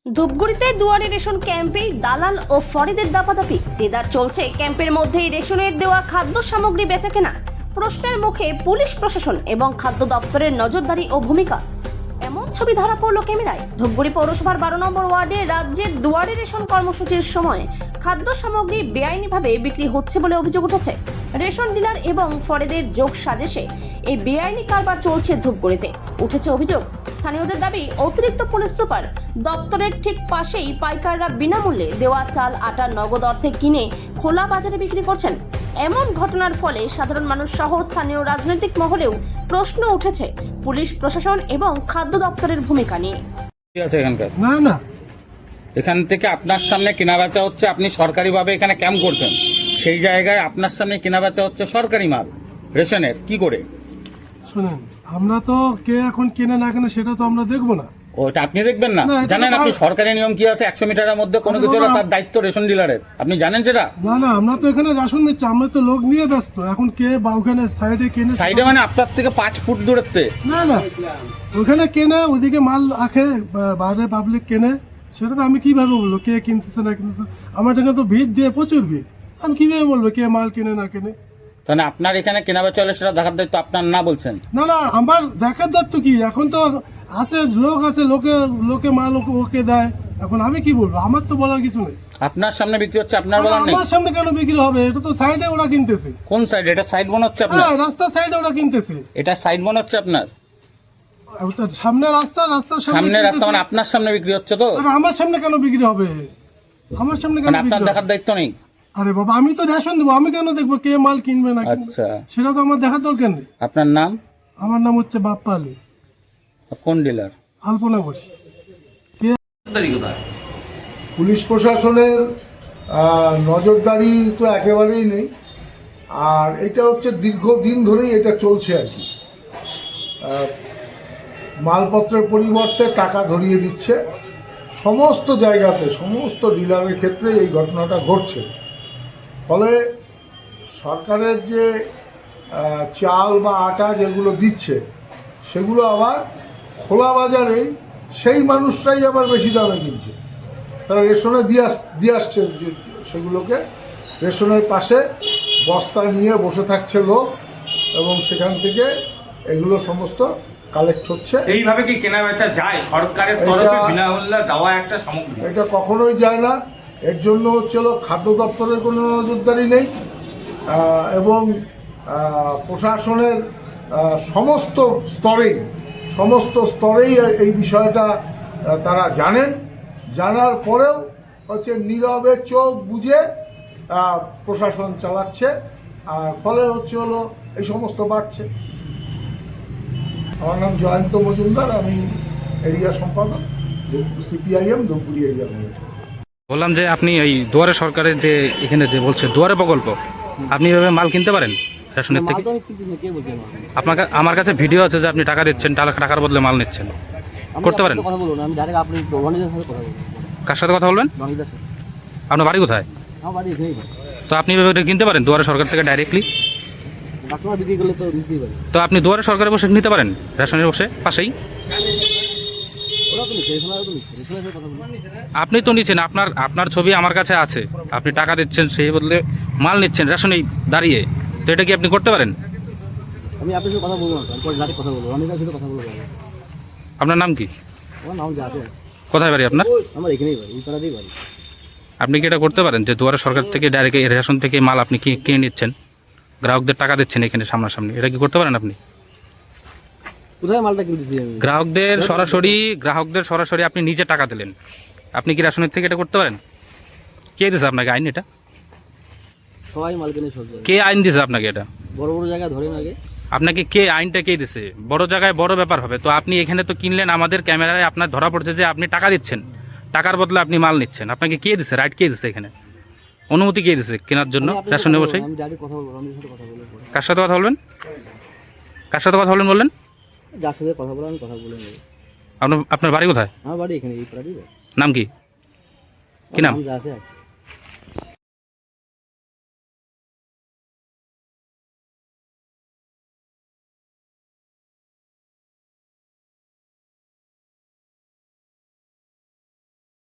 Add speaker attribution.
Speaker 1: ধূপগুড়িতে দুয়ারে রেশন ক্যাম্পেই দালাল ও ফরিদের দাপাদাপি। দেদার চলছে ক্যাম্পের মধ্যেই রেশনের দেওয়া খাদ্য সামগ্রী বেচাকেনা। প্রশ্নের মুখে পুলিশ প্রশাসন এবং খাদ্য দপ্তরের নজরদারি ও ভূমিকা। এমন ছবি ধরা পড়ল ক্যামেরায়। ধূপগুড়ি পৌরসভার 12 নম্বর ওয়ার্ডে রাজ্যের দুয়ারে রেশন কর্মসূচির সময় খাদ্য সামগ্রী বেআইনিভাবে বিক্রি হচ্ছে বলে অভিযোগ উঠেছে। রেশন ডিলার এবং ফরেদের যোগ সাজেশে এই বেআইনি কারবার চলছে ধূপগুড়িতে। উঠেছে অভিযোগ, স্থানীয়দের দাবি অতিরিক্ত পুলিশ সুপার দপ্তরের ঠিক পাশেই পাইকাররা বিনামূল্যে দেওয়া চাল আটা নগদ অর্থে কিনে খোলা বাজারে বিক্রি করছেন। এমন ঘটনার ফলে সাধারণ মানুষ সহ স্থানীয় রাজনৈতিক মহলেও প্রশ্ন উঠেছে পুলিশ প্রশাসন এবং খাদ্য দপ্তরের ভূমিকা নিয়ে।
Speaker 2: না
Speaker 3: এখান থেকে আপনার সামনে কেনাবেচা হচ্ছে, আপনি সরকারিভাবে এখানে ক্যাম্প করছেন, সেই জায়গায় আপনার সামনে কেনাবেচা হচ্ছে সরকারি মাল রেশনের, কি করে?
Speaker 2: শুনেন, আমরা তো কে এখন কেনে না কেনে সেটা তো আমরা দেখবো না।
Speaker 3: ওটা আপনি দেখবেন না?
Speaker 2: না, এটা
Speaker 3: জানেন
Speaker 2: তো
Speaker 3: আপনি সরকারি নিয়ম কি আছে? 100 মিটারের মধ্যে কোনো কিছু হলে তার দায়িত্ব রেশন ডিলারের, আপনি জানেন সেটা?
Speaker 2: না আমরা তো এখানে রেশন দিচ্ছি, আমরা তো লোক নিয়ে ব্যস্ত। এখন কে বা ওখানে সাইডে কেনে,
Speaker 3: সাইডে মানে আপনার থেকে 5 ফুট দূরত্বে?
Speaker 2: না ওখানে কেনে, ওইদিকে মাল রাখে, বাইরে পাবলিক কেনে, সেটা তো আমি কিভাবে বলবো কে কিনতেছে না কিনতেছে? আমার এখানে তো ভিড় দিয়ে প্রচুর ভিড়, আমি কিভাবে বলবো কে মাল কেনে না কেনে?
Speaker 3: তাহলে আপনার এখানে কেনাবেচা হলে সেটা দেখার দায়িত্ব আপনার না বলছেন?
Speaker 2: না আমার দেখার দায়িত্ব কি? এখন তো আছে লোক আছে, লোকে মাল ওকে দেয়, এখন আমি কি বলবো? আমার তো বলার কিছু নেই।
Speaker 3: আপনার সামনে বিক্রি হচ্ছে, আপনার বলার নেই?
Speaker 2: আমার সামনে কেন বিক্রি হবে? এটা তো সাইডে ওরা কিনতেছে।
Speaker 3: কোন সাইডে? এটা সাইড মনে হচ্ছে আপনার?
Speaker 2: হ্যাঁ, রাস্তার সাইডে ওরা কিনতেছে।
Speaker 3: এটা সাইড মনে হচ্ছে আপনার?
Speaker 2: সামনে রাস্তার
Speaker 3: সামনে রাস্তা মানে আপনার সামনে বিক্রি হচ্ছে তো?
Speaker 2: আমার সামনে কেন বিক্রি হবে? আমার সামনে কেন?
Speaker 3: আপনার দেখার দায়িত্ব নেই?
Speaker 2: আরে বাবা, আমি তো রেশন দেবো, আমি কেন দেখবো কে মাল কিনবে না?
Speaker 3: আচ্ছা,
Speaker 2: সেটা তো আমার দেখার দরকার নেই।
Speaker 3: আপনার নাম?
Speaker 2: আমার নাম হচ্ছে বাপ্পা আলী।
Speaker 3: কোন ডিলার?
Speaker 2: আলপনা বসি।
Speaker 4: পুলিশ প্রশাসনের নজরদারি তো একেবারেই নেই। আর এটা হচ্ছে দীর্ঘদিন ধরেই এটা চলছে আর কি। মালপত্রের পরিবর্তে টাকা ধরিয়ে দিচ্ছে সমস্ত জায়গাতে, সমস্ত ডিলারের ক্ষেত্রে এই ঘটনাটা ঘটছে। ফলে সরকারের যে চাল বা আটা যেগুলো দিচ্ছে সেগুলো আবার খোলা বাজারেই সেই মানুষরাই আবার বেশি দামে কিনছে। তারা রেশনে দিয়ে আসছে সেগুলোকে, রেশনের পাশে বস্তা নিয়ে বসে থাকছে লোক, এবং সেখান থেকে এগুলো সমস্ত কালেক্ট হচ্ছে।
Speaker 3: এইভাবে কি কেনা বেচা যায় সরকারের তরফে বিনামূল্যে দেওয়া একটা সামগ্রী?
Speaker 4: এটা কখনোই যায় না। এর জন্য হচ্ছিল খাদ্য দপ্তরের কোনো নজরদারি নেই, এবং প্রশাসনের সমস্ত স্তরেই এই বিষয়টা তারা জানেন। জানার পরেও হচ্ছে নীরবে চোখ বুজে প্রশাসন চালাচ্ছে, আর ফলে হলো এই সমস্ত বাড়ছে। আমার নাম জয়ন্ত মজুমদার, আমি এরিয়া সম্পাদক, সিপিআইএম ধূপগুড়ি এরিয়া কমিটি।
Speaker 5: বললাম যে আপনি এই দুয়ারে সরকারের যে এখানে যে বলছে দুয়ারে প্রকল্প, আপনি এভাবে মাল কিনতে পারেন রেশনের থেকে? আপনাকে আমার কাছে ভিডিও আছে যে আপনি টাকা দিচ্ছেন, টাকার বদলে মাল নিচ্ছেন, করতে পারেন? কার সাথে কথা বলবেন? আপনার বাড়ি কোথায়? তো আপনি এভাবে কিনতে পারেন দুয়ারে সরকার থেকে ডাইরেক্টলি? তো আপনি দুয়ারে সরকারে বসে নিতে পারেন, রেশনের বসে পাশেই। আপনি তো নিচ্ছেন, আপনার ছবি আমার কাছে আছে, আপনি টাকা দিচ্ছেন, সেই বদলে মাল নিচ্ছেন রেশনেই দাঁড়িয়ে, তো এটা কি আপনি করতে পারেন?
Speaker 6: আমি আপনার সাথে কথা বলবো না, কথা বলবো, আমি কার সাথে কথা বলবো।
Speaker 5: আপনার নাম কি?
Speaker 6: আমার নাম জাহাজ।
Speaker 5: কোথায় বাড়ি আপনার?
Speaker 6: আমার এখানেই বাড়ি, এই পাড়াতেই বাড়ি।
Speaker 5: আপনি কি এটা করতে পারেন যে দুয়ারে সরকার থেকে ডাইরেক্ট রেশন থেকে মাল আপনি কিনে নিচ্ছেন, গ্রাহকদের টাকা দিচ্ছেন এখানে সামনাসামনি, এটা কি করতে পারেন আপনি?
Speaker 6: কোথায় মালটা কিনতেছি আমি?
Speaker 5: গ্রাহকদের সরাসরি আপনি নিজে টাকা দিলেন, আপনি কি রেশনের থেকে এটা করতে পারেন? কে দিয়েছে আপনাকে আইন? এটা
Speaker 6: সবাই মাল কিনে সব জায়গায়।
Speaker 5: কে আইন দিয়েছে আপনাকে? এটা
Speaker 6: বড় জায়গায় ধরেন আগে
Speaker 5: আপনাকে কে আইনটা কে দিয়েছে? বড় জায়গায় বড় ব্যাপার হবে তো। আপনি এখানে তো কিনলেন, আমাদের ক্যামেরায় আপনার ধরা পড়ছে যে আপনি টাকা দিচ্ছেন, টাকার বদলে আপনি মাল নিচ্ছেন। আপনাকে কে দিয়েছে রাইট? কে দিয়েছে এখানে অনুমতি? কে দিয়েছে কেনার জন্য রেশনে বসে? কার সাথে কথা বলবেন? কার সাথে কথা বলবেন বললেন?
Speaker 6: যার সাথে কথা বলবো আমি কথা বলে নেব।
Speaker 5: আপনার বাড়ি কোথায়?
Speaker 6: আমার বাড়ি এখানে, এই পাড়াতেই।
Speaker 5: নাম কি? কি নাম?
Speaker 6: যা আছে।